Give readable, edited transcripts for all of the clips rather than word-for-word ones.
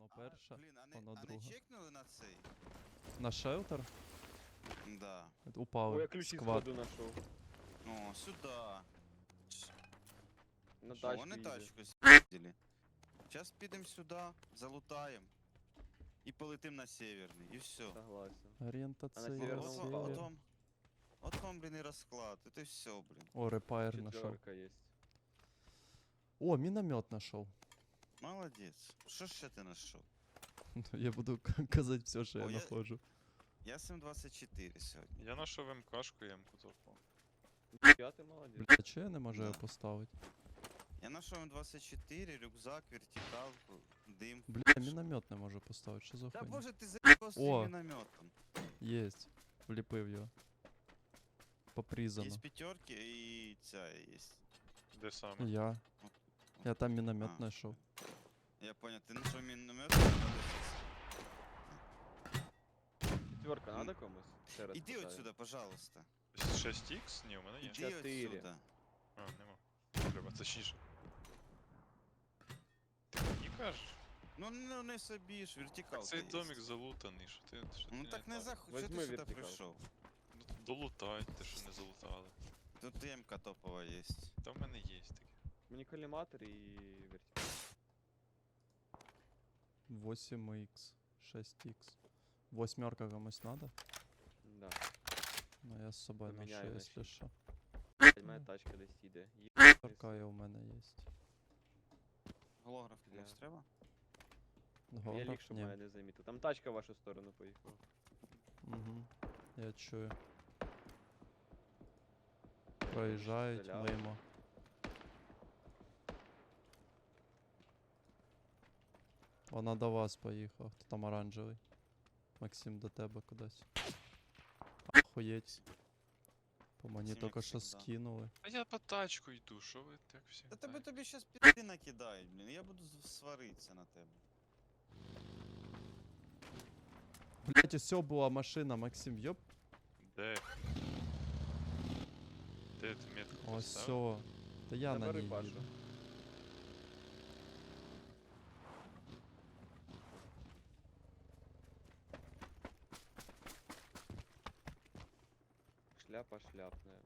перша, Блін, воно а не друга. чекнули на цей? На шелтер? Да. О, я Упали. ключі Сквад. складу нашов. О, сюда. На О, тачку вони їде. тачку спіздили. Зараз підемо сюди, залутаємо. І полетим на северний, і все. Согласен. Орієнтація, северному От, упали. север. от вам, блін, і розклад. Это все, блін. О, репайр нашел. Четверка есть. О, міномет нашел. Молодець. Що ще ти знайшов? Я буду казати все, що я О, я- знаходжу. Я М24 сьогодні. Я знайшов МКшку і М-ку топав. Я ты молодец. Бля, чого я не можу його Да. поставити? Я знайшов М24, рюкзак, вертикалку, дим. Бля, міномет не можу поставити, що за Та хуйня? боже, ти заїбав О. своїм мінометом. Єсть. Вліпив його. По призану. Є п'ятерки і ця є. Де саме? Я. Я там міномет А. знайшов. Я понял, ти знайшов міномет? Четверка надо комусь? Ще раз Іди питаю. отсюда, пожалуйста. 6х? Ні, у мене є. Іди 4. отсюда. А, нема. Треба, точніше. Ти мені кажеш? Ну не собі ж, вертикалка Цей є. домик залутаний, що ти Ну не так не так? захуй, що Возьми ти сюди вертикалку. прийшов? Ну, долутайте, що не залутали. Тут М-ка топова є. Та в мене є таке. Мені коллиматор и вертикал. 8х. 6х. Восьмерка комусь надо? Да. Ну я з собою ношу, Поміняю на якщо шість. що. Блядь, моя тачка десь їде. Така у мене є. Голограф Бля. комусь треба? Я Голограф? ліг, щоб Ні. мене не замітив. Там тачка в вашу сторону поїхала. Угу. Я чую. Проїжджають Стріляли. мимо. Вона до вас поїхала. Хто там оранжевий? Максим, до тебе кудись. Охуєть. По мені Максим, тільки як що завжди. скинули. А я по тачку йду, що ви так всі? Та тебе тобі щас пізди накидають, блін. Я буду сваритися на тебе. Блять, усьо була машина, Максим, йоп. Де? Де ти метку поставив? Осьо. Та я на Забери ній Пашу. їду. Шляпа шляпная.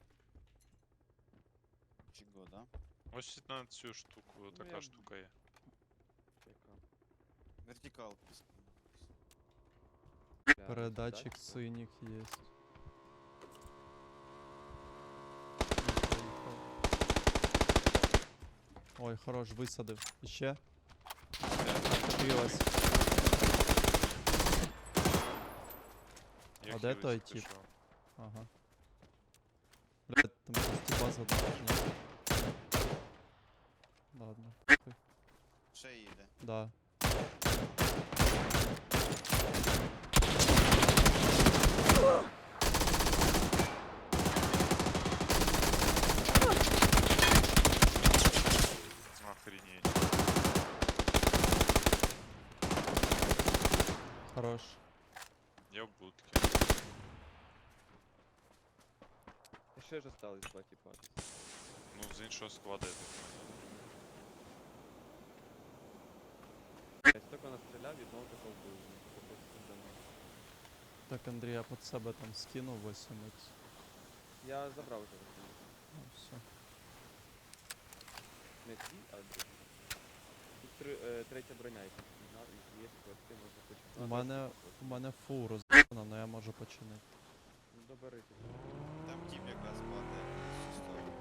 Чого, да? Ось на цю штуку, така я- штука є. Яка? Вертикалку. Бля, Передатчик тачка. синіх є. Ой, хорош, висадив. Іще? Катилась. Я А де той хілиться тип? пішов. Ага. Блядь, там щось типа задовжено. Ладно. Хуй. Ще їде. Да. Охренеть. Хорош. Я в будці. І ще ж осталось два типа. Ну, з іншого складу я так понял. Я столько настріляв, від одного такого вбив. Такого пиздану. Так, Андрій, я під себе там скинув 8х. Я забрав уже такий. Ну, все. Не ці, а другі. Тут третя броня, яка є ти можна почати. У мене фул розбана, но я можу починити. Ну добери ти. Там тип якраз падає в цю сторону.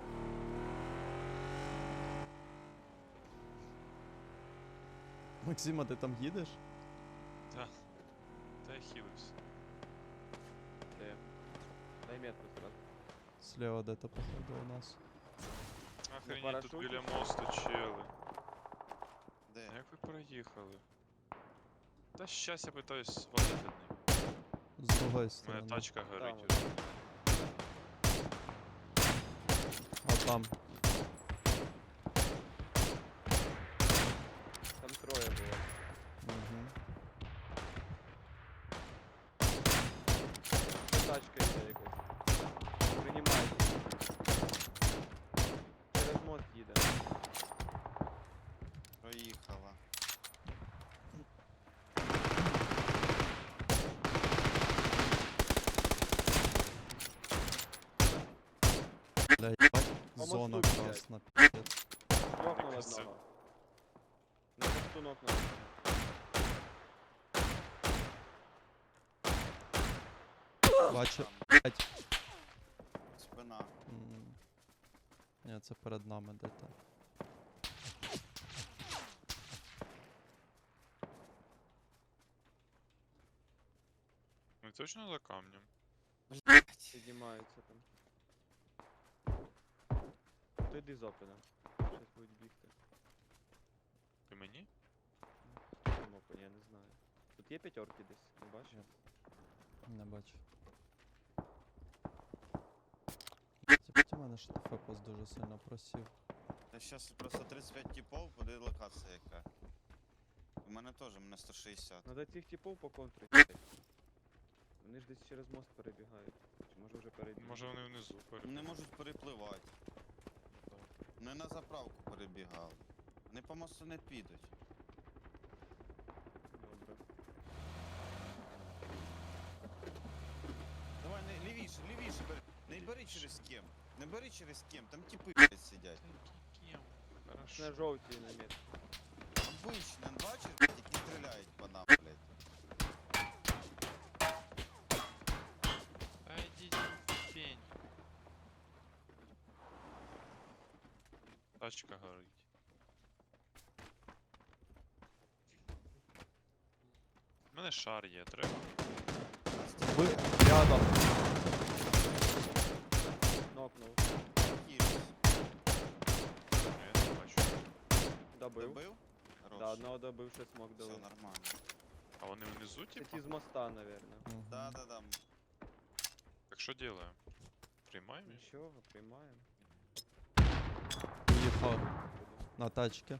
Максима, ти там їдеш? Та. Та я хілився. Де? Дай метку сразу. Слева де-то походу у нас. Охренеть, тут парашуті? біля мосту чели. Де? А як ви проїхали? Та щас я питаюсь свалити від них. З другої Моя сторони. тачка горить. Там уже. А там. Там троє було. Угу. Тачка йде якась. Приймайте. Через мост їде. Проїхала. Зона мосту, блядь. красна, піздець. Нокнув Якось це. одного. На мосту нокнув. Бачу, Там, блядь. спина. Ні, це перед нами де-то. Ми точно за камнем? Блять. Піднімаються там. То йди з опена. Щас будуть бігти. Ти мені? Хто там опен, я не знаю. Тут є п'ятерки десь, не бачиш? Не бачу. Типу, у мене ж фепос дуже сильно просів. Я щас просто 35 типов, буде локація яка. У мене теж, у мене 160. Надо цих типов по контрі. блядь. Вони ж десь через мост перебігають. Чи може вже перебігають? Може вони внизу Вони можуть перепливати. Вони на заправку перебігали. Вони по мосту не підуть. Добре. Давай, не, лівіше, лівіше бери. Не бери через кем. Не бери через кем, там типи блядь, сидять. Кем? На Хорошо. жовтій намет. Обично, бачиш, блядь, які стріляють по нам, блядь. Та йдіть в пень. Тачка горить. У мене шар є, треба. Ви рядом. Нокнув. Кірус. Я не бачу. Добив. Добив? Хорош. Да, одного добив, ще смог Все дали. нормально. А вони внизу, Це типа? ті з моста, наверное. Мгм. Да. Так що делаем? Приймаємо їх? Нічого, приймаємо. Їхав на тачки.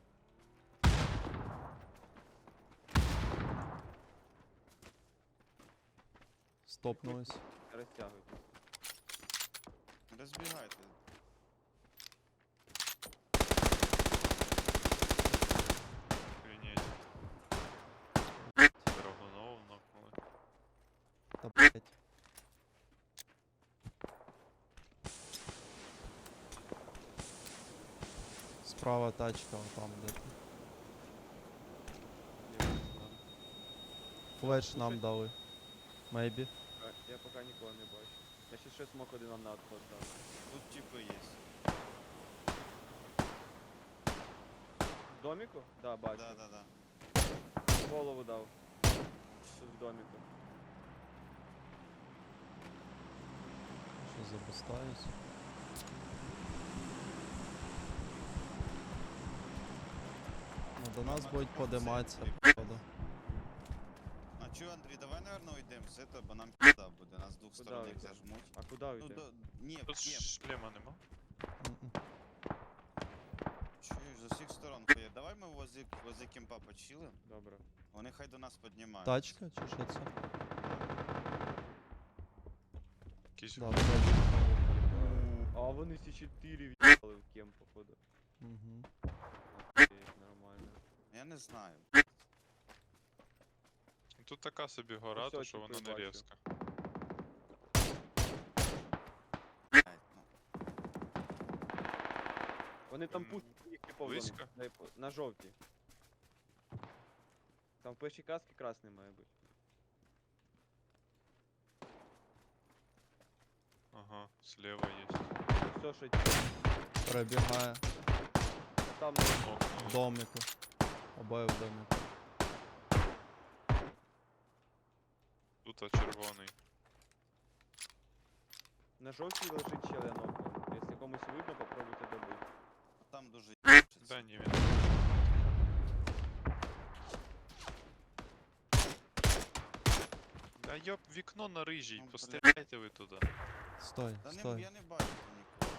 Стопнулись. Розтягуйтесь. Розбігайте. Охренеть. Драгунов нокнули. Та блять. Справа тачка, там де. Флеш нам дали. Maybe. Я поки нікого не бачу. Я ще смог один нам на отход дав. Тут типи є. В доміку? Да, бачу. Да. Голову дав. Тут в доміку. Що забустаюсь? Ну, до нас будуть подиматися, походу. А чё, Андрій, давай, наверное, уйдем с этого, бо нам пизда буде, нас з двох Куда сторон їх уйдем? зажмуть. А куди Ну, уйти? ні, в Тут кем? шлема нема? М-м. Чуєш, з усіх сторон ходять. Давай ми возле кемпа почилим, Добре. вони хай до нас піднімають. Тачка чи що це? Якийсь Да, вроді. А вони всі 4 в'їхали в кем, походу. Угу. Окей, нормально. Я не знаю. Тут така собі гора, Ось то ось що типу вона і не бачу. резка. Блядь, ну. Вони там М, пустять їх типу в близько? домик. Дай на жовтій. Там в першій касці красний має бути. Ага, слева є. Все, що ті. Перебігає Там в Нокнули. домику. Обоє в домику. Тут червоний. на жовтій лежить ще один окно. Якщо комусь видно, попробуйте добити. Там дуже Да, ні, він. Да йоп, вікно на рижій, Ну, постріляйте ви туди. Стой, Та не, стой. я не бачу там нікого.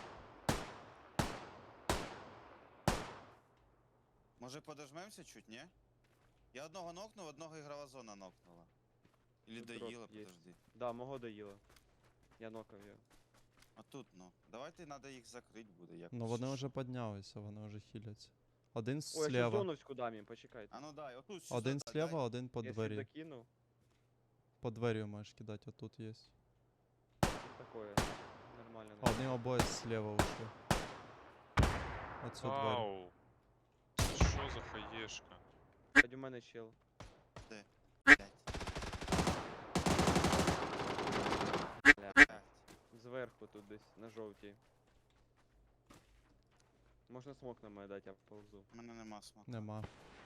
Може подожмемся чуть, ні? Я одного нокнув, одного ігрова зона нокнула. Или Тут доїла, рост є. подожди. Да, мого доїло. Я нокав його. А тут, ну. Давайте треба їх закрити буде якось. Ну вони чи вже що. піднялися, вони вже хіляться. Один Ой, я ще слева. зоновську дам їм, почекайте. А ну дай, отут сюди Один дай, слева, один по Я ще двері. закинув. По двері можеш кидати, отут є. Такое. Нормально. А вони обоє слева ушли. Оцю двері. Вау. Це що за хаєшка? Хоч у мене чел. Блядь. Бля. Зверху тут десь, на жовтій. Можна смок на мене дати, я ползу. У мене нема смаку. Нема.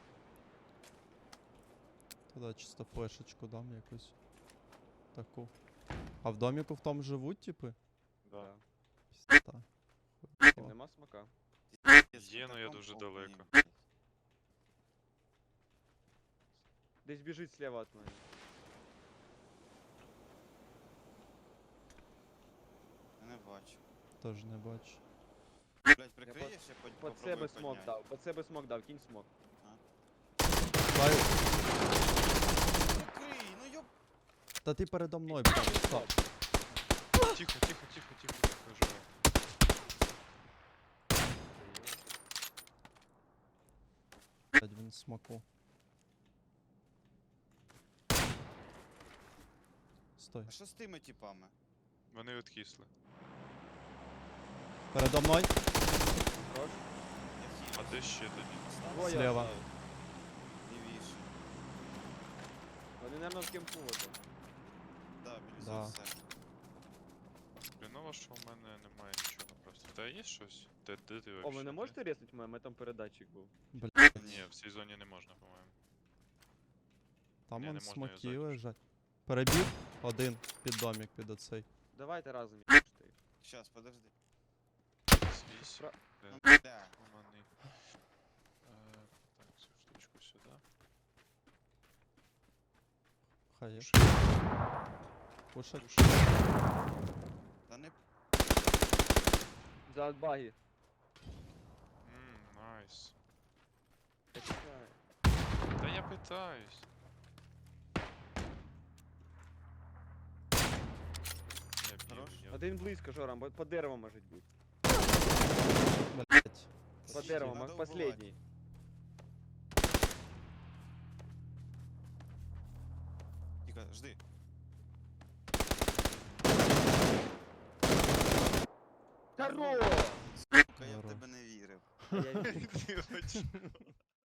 Тоді чисто флешечку дам якусь. Таку. А в доміку в тому живуть, типи? Да. Пізда. Тим нема смока. Є, но я дуже далеко. Десь біжить слева від мене. Я не бачу. Теж не бачу. Блядь, прикриєш, я Под попробую себе смок підняти. дав, под себе смок дав, кінь смок. Дай. Прикрий, ну ёб... Та ти передо мною прям став. Тихо, тихо, тихо, тихо, тихо, живе. Блядь, він в смаку. Стой. А що з тими типами? Вони відкисли. Передо мною. Хорош. Я А хілюсь. де ще тоді? Двоє Слева. осталось. Лівіше. Вони, наверное, в кемпу ото. Да, біля Да. все. Хреново, що в мене немає нічого просто. Та є щось? Де ти О, вообще? ви не можете резнути мене? У мене там передатчик був. Блядь, Ні, в цій зоні не можна, по-моєму. там Ні, он не можна його смоки зайти. лежать. Перебіг один під домик під оцей. Давайте разом їбаште їх. Щас, подожди. Свісь. Про- Де? Ну, бля. Ломаний. Так, цю штучку сюди. Хай є. Пушать. Та не... За баги. Найс. Я чекаю. Та я питаюсь. Я б'ю, Хорош. я Один близько, Жора, по дереву може бути. Блядь. По Сидіть, дереву, надо маг убивати. последний. Тихо, жди. Здорово! Сука, я в Здорово. тебе не вірив. А я вірю. Ти хоч-